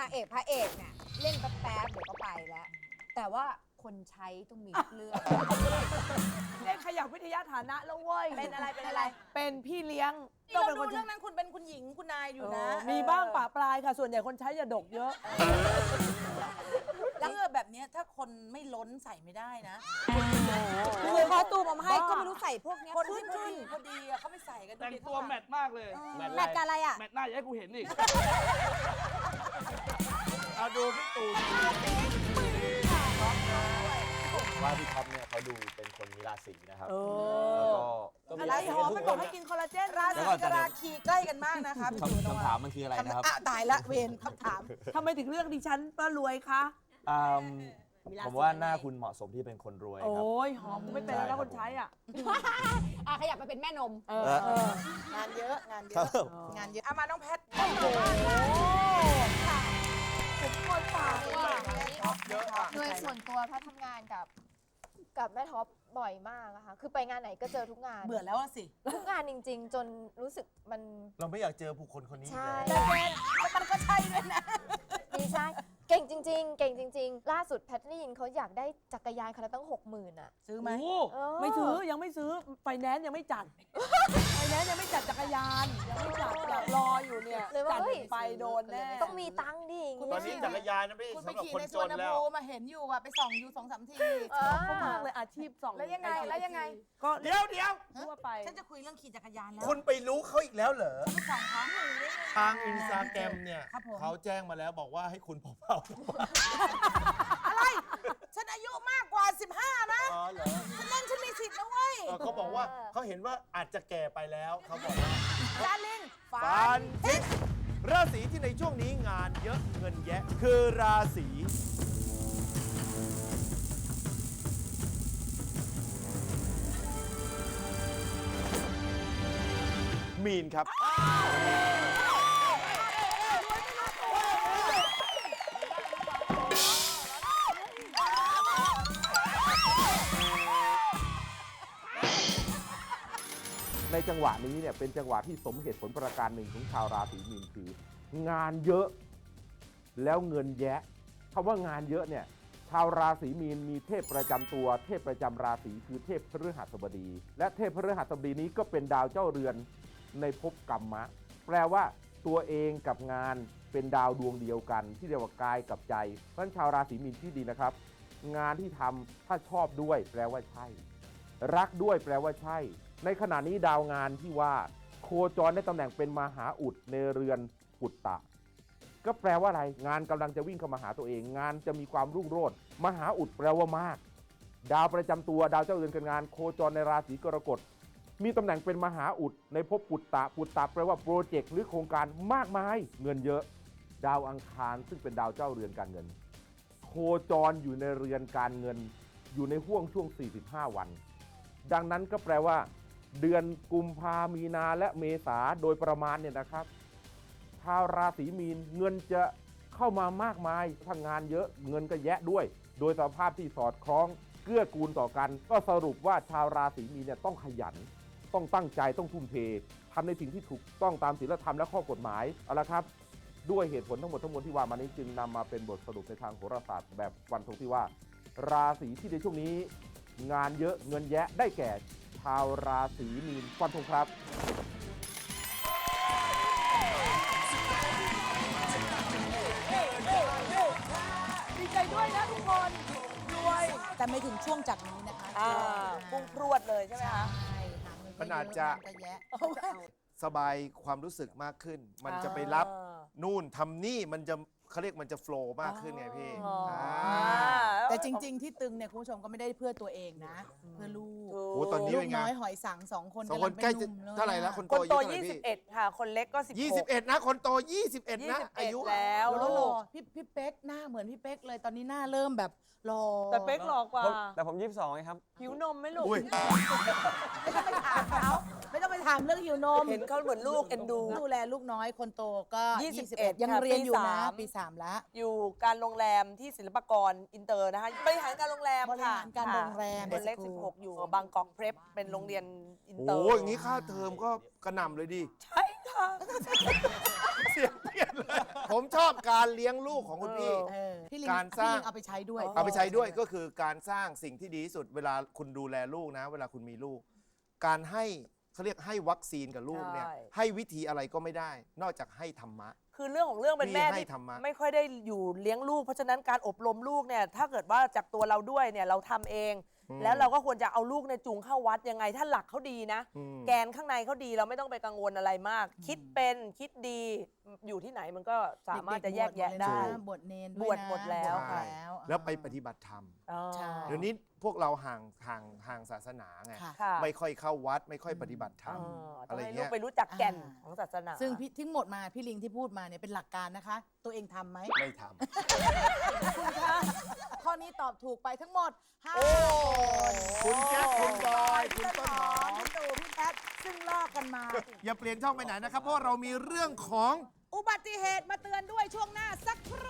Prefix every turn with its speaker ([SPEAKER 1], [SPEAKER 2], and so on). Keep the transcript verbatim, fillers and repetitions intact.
[SPEAKER 1] างเอกพระเอกเนี่ยเล่นแป๊บๆเดี๋ยวก็ไปแล้ว แต่ว่าคนใช้ต้องมีเรื่อง
[SPEAKER 2] เล่นขยับวิทยาฐานะแล้วเว้ย
[SPEAKER 1] เป็นอะไรเป็นอะไร
[SPEAKER 2] เป็นพี่เลี้ยง
[SPEAKER 3] เราดูเรื่องนั้นคุณเป็นคุณหญิงคุณนายอยู่นะ
[SPEAKER 2] มีบ้างปะปลายค่ะส่วนใหญ่คนใช้อย่าดกเยอะ
[SPEAKER 3] เสื้อแบบนี้ถ้าคนไม่ล้นใส่ไม่ได้นะ
[SPEAKER 1] คือคอตูมเอามาให้ก็ไม่รู้ใส่พวกนี้
[SPEAKER 3] คนที่พอดีพอดีอะเขาไม่ใส่กัน
[SPEAKER 4] แต่งตัวแมทมากเลย
[SPEAKER 1] แมทกับอะไรอ่ะ
[SPEAKER 4] แมทหน้าอย่าให้กูเห็นอีกเอาดูพี่ตู่
[SPEAKER 5] ว่าพี่ท็อปเนี่ยเขาดูเป็นคนมีราศีนะครับแล้วก็
[SPEAKER 3] อะไรหอมมันบอกให้กินคอลลาเจนราศีกับราคีใกล้กันมากนะคะพี่ตู่
[SPEAKER 5] คำถามมันคืออะไรนะครับ
[SPEAKER 3] ตายละเวรคำถาม
[SPEAKER 2] ทำไมถึงเลือกดิฉันป้ารวยคะ
[SPEAKER 5] ผมว่าหน้าคุณเหมาะสมที่เป็นคนรวยครับ
[SPEAKER 2] โอ้ยหอมไม่เป็นแล้วคนใช้อ่ะ
[SPEAKER 1] อ่ะขยับมาเป็นแม่นม
[SPEAKER 3] งานเยอะงานเยอะงานเยอะเอามาน้องแพทโอ้โห
[SPEAKER 6] ผมคนฝากโดยส่วนตัวแพทย์ทำงานกับกับแม่ท็อปบ่อยมากอะค่ะคือไปงานไหนก็เจอทุกงาน
[SPEAKER 3] เบื่อแล้วสิ
[SPEAKER 6] ทุกงานจริงๆจนรู้สึกมัน
[SPEAKER 5] เราไม่อยากเจอผู้คนคนนี้
[SPEAKER 6] ใช่
[SPEAKER 3] แต่มันก็ใช่ด้วยนะ
[SPEAKER 6] ดีใช่เก่งจริงๆเก่งจริงๆล่าสุดแพทย์ได้ยินเขาอยากได้จักรยานคันละตั้งหกหมื่นอะ
[SPEAKER 3] ซื้อไหม
[SPEAKER 2] ไม่ซื้อยังไม่ซื้อไฟแนนซ์ยังไม่จัดไฟแนนซ์ยังไม่จัดจักรยานยังไม่จัดอยากรออยู่เนี่ยจัดไปโดนแน่
[SPEAKER 6] ต้องมีตังค์ดิ
[SPEAKER 5] ตอนนี้จักรยานนะพี่
[SPEAKER 3] คุณไปขี่ในสวนน้ำพุมาเห็นอยู่อะไปส่องอยู่สองสามที
[SPEAKER 2] ชอบมากเลยอาชีพสอง
[SPEAKER 3] แล้วยังไงแล้วยังไง
[SPEAKER 5] ก็เดี๋ยวเดี๋ยว
[SPEAKER 2] ทั่วไป
[SPEAKER 3] ฉันจะคุยเรื่องขี่จักรยานแล้ว
[SPEAKER 5] คุณไปรู้เขาอีกแล้วเหรอทางอินสตาแกรมเนี่ย
[SPEAKER 3] เขา
[SPEAKER 5] แจ้งมาแล้วบอกว่าให้คุณเผา
[SPEAKER 3] อะไรฉันอายุมากกว่าสิบห้านะ
[SPEAKER 5] อ๋อเหรอ
[SPEAKER 3] ฉันเล่นฉันมีสิทธิ์นะเว้ย
[SPEAKER 5] เขาบอกว่าเขาเห็นว่าอาจจะแก่ไปแล้วเขาบอกว่า
[SPEAKER 3] ดาริน
[SPEAKER 5] ฟันทิศราศีที่ในช่วงนี้งานเยอะเงินแยะคือราศีมีนครับ
[SPEAKER 7] ในจังหวะนี้เนี่ยเป็นจังหวะที่สมเหตุผลประการหนึ่งของชาวราศีมีนคืองานเยอะแล้วเงินแยะคำว่างานเยอะเนี่ยชาวราศีมีนมีเทพประจำตัวเทพประจำราศีคือเทพพฤหัสบดีและเทพพฤหัสบดีนี้ก็เป็นดาวเจ้าเรือนในภพกรรมะแปลว่าตัวเองกับงานเป็นดาวดวงเดียวกันที่เรียกว่ากายกับใจเพราะฉะนั้นชาวราศีมีนที่ดีนะครับงานที่ทำถ้าชอบด้วยแปลว่าใช่รักด้วยแปลว่าใช่ในขณะนี้ดาวงานที่ว่าโคจรในตำแหน่งเป็นมหาอุดในเรือนปุตตะก็แปลว่าอะไรงานกำลังจะวิ่งเข้ามาหาตัวเองงานจะมีความรุ่งโรจน์มหาอุดแปลว่ามากดาวประจำตัวดาวเจ้าเรือนการงานโคจรในราศีกรกฎมีตำแหน่งเป็นมหาอุดในภพปุตตะปุตตะแปลว่าโปรเจกต์หรือโครงการมากมายเงินเยอะดาวอังคารซึ่งเป็นดาวเจ้าเรือนการเงินโคจรอยู่ในเรือนการเงินอยู่ในห่วงช่วงสี่สิบห้าวันดังนั้นก็แปลว่าเดือนกุมภามีนาและเมษาโดยประมาณเนี่ยนะครับชาวราศีมีนเงินจะเข้ามามากมายถ้างานเยอะเงินก็แยะด้วยโดยสภาพที่สอดคล้องเกื้อกูลต่อกันก็สรุปว่าชาวราศีมีนเนี่ยต้องขยันต้องตั้งใจต้องทุ่มเททำในสิ่งที่ถูกต้องตามศีลธรรมและข้อกฎหมายเอาละครับด้วยเหตุผลทั้งหมดทั้งมวลที่ว่ามานี้จึงนำมาเป็นบทสรุปในทางโหราศาสตร์แบบฟันธงที่ว่าราศีที่ในช่วงนี้งานเยอะเงินแยะได้แก่ชาวราศีมีนฟันธงครับ
[SPEAKER 2] ดีใจด้วยนะทุกคนด้วย
[SPEAKER 3] แต่ไม่ถึงช่วงจากนี้นะคะ
[SPEAKER 2] พุ่งพรวดเลยใช่ไหมคะ
[SPEAKER 5] มันอาจจะสบายความรู้สึกมากขึ้นมันจะไปรับนู่นทำนี่มันจะเขาเรียกมันจะโฟล์มากขึ้นไงพี่
[SPEAKER 3] แต่จริงๆที่ตึงเนี่ยคุณผู้ชมก็ไม่ได้เพื่อตัวเองนะเพื่อลูก
[SPEAKER 5] โอ้ตอนนี้เป็นไง
[SPEAKER 3] น้อยหอยสังสองคน
[SPEAKER 5] สองคนใกล้จะเท่าไหร่แล้วคนโต
[SPEAKER 2] ยี่สิบเอ็ดค่ะคนเล็กก็สิบหก
[SPEAKER 5] ยี่สิบเอ็ดนะคนโตยี่สิบเอ็ดนะอายุ
[SPEAKER 2] แล้ว
[SPEAKER 3] แล้วหล่อพี่พี่เป๊กหน้าเหมือนพี่เป๊กเลยตอนนี้หน้าเริ่มแบบหล่อ
[SPEAKER 2] แต่เป๊กหล่อกว่า
[SPEAKER 8] แต่ผมยี่สิบสองไงครับ
[SPEAKER 2] หิวนมไหมลูก
[SPEAKER 3] ไม่ต้องไปถามเขาไม่ต้องไปถามเรื่องหิวนม
[SPEAKER 2] เห็นเขาเหมือนลูกเอ็นดู
[SPEAKER 3] ดูแลลูกน้อยคนโตก็ยี่สิบเอ็ดยังเรียนอยู่นะปีสามแล้ว
[SPEAKER 2] อยู่การโรงแรมที่ศิลปากรอินเตอร์นะคะบริหารการโรงแรมค่ะ
[SPEAKER 3] บริหารการโรงแรม
[SPEAKER 2] คนเล็กสิบหกอยู่บางกอกเพรพเป็นโรงเรียนอินเตอร์
[SPEAKER 5] โอ้ยอย่างนี้ค่าเทอมก็กระหน่ำเลยดิ
[SPEAKER 2] ใช่ค่ะ
[SPEAKER 5] เสียงผมชอบการเลี้ยงลูกของคุณพี่
[SPEAKER 3] เออพี่ลิง
[SPEAKER 5] การสร้าง
[SPEAKER 3] พี่ลิงเอาไปใช้ด้วย
[SPEAKER 5] เอาไปใช้ด้วยก็คือการสร้างสิ่งที่ดีที่สุดเวลาคุณดูแลลูกนะ เวลาคุณมีลูก การให้เขาเรียกให้วัคซีนกับลูกเนี่ย
[SPEAKER 2] ใช่
[SPEAKER 5] ให้วิธีอะไรก็ไม่ได้ นอกจากให้ธรรมะ
[SPEAKER 2] คือเรื่องของเรื่องเป็นแม่
[SPEAKER 5] พี่ให้
[SPEAKER 2] ที่
[SPEAKER 5] ธรรมะ
[SPEAKER 2] ไม่ค่อยได้อยู่เลี้ยงลูกเพราะฉะนั้นการอบรมลูกเนี่ยถ้าเกิดว่าจากตัวเราด้วยเนี่ยเราทำเอง
[SPEAKER 5] อืม
[SPEAKER 2] แล้วเราก็ควรจะเอาลูกในยจูงเข้าวัดยังไง ถ้าหลักเขาดีนะ
[SPEAKER 5] อืม
[SPEAKER 2] แกนข้างในเขาดีเราไม่ต้องไปกังวลอะไรมาก คิดเป็นคิดดีอยู่ที่ไหนมันก็สามารถจะแยกแยะได้
[SPEAKER 3] บวชเนน
[SPEAKER 2] บวชหมดแล้ว
[SPEAKER 3] บชหม
[SPEAKER 2] ค่ะ
[SPEAKER 3] ดแล้ว
[SPEAKER 5] แล้วไปปฏิบัติธรรม
[SPEAKER 2] อ๋อ
[SPEAKER 3] ใช่
[SPEAKER 5] เดี๋ยวนี้พวกเราห่างห่างห่างศาสนาไง
[SPEAKER 3] ค่ะ
[SPEAKER 2] ค่ะ
[SPEAKER 5] ไม่ค่อยเข้าวัด ไม่ค่อยปฏิบัติธรรม
[SPEAKER 2] อ๋อต้
[SPEAKER 5] อะ
[SPEAKER 2] อง
[SPEAKER 5] ไร
[SPEAKER 2] ให้ลู
[SPEAKER 5] เงี้
[SPEAKER 2] ก
[SPEAKER 5] ย
[SPEAKER 2] ไปรู้จักแก่น
[SPEAKER 3] อ่า
[SPEAKER 2] ของศาสนา
[SPEAKER 3] ซึ่งพี่ทั้งหมดมาพี่ลิงที่พูดมาเนี่ยเป็นหลักการนะคะ ตัวเองทำไหม
[SPEAKER 5] ไม่ท
[SPEAKER 3] ข้อนี้ตอบถูกไปทั้งหมดห้า
[SPEAKER 5] ำคุณแจ๊คคุณบอย
[SPEAKER 3] คุ
[SPEAKER 5] คุณ
[SPEAKER 3] ณ
[SPEAKER 5] ต้
[SPEAKER 3] ต้
[SPEAKER 5] น
[SPEAKER 3] น
[SPEAKER 5] ห
[SPEAKER 3] ห
[SPEAKER 5] อ
[SPEAKER 3] อ
[SPEAKER 5] ม
[SPEAKER 3] มพี่ตู่พี่แพทซึ่งลอกกันมา
[SPEAKER 5] อย่าเปลี่ยนช่องไปไหนนะครับ เพราะเรามีเรื่องของ
[SPEAKER 3] อุบัติเหตุมาเตือนด้วยช่วงหน้าสักครู่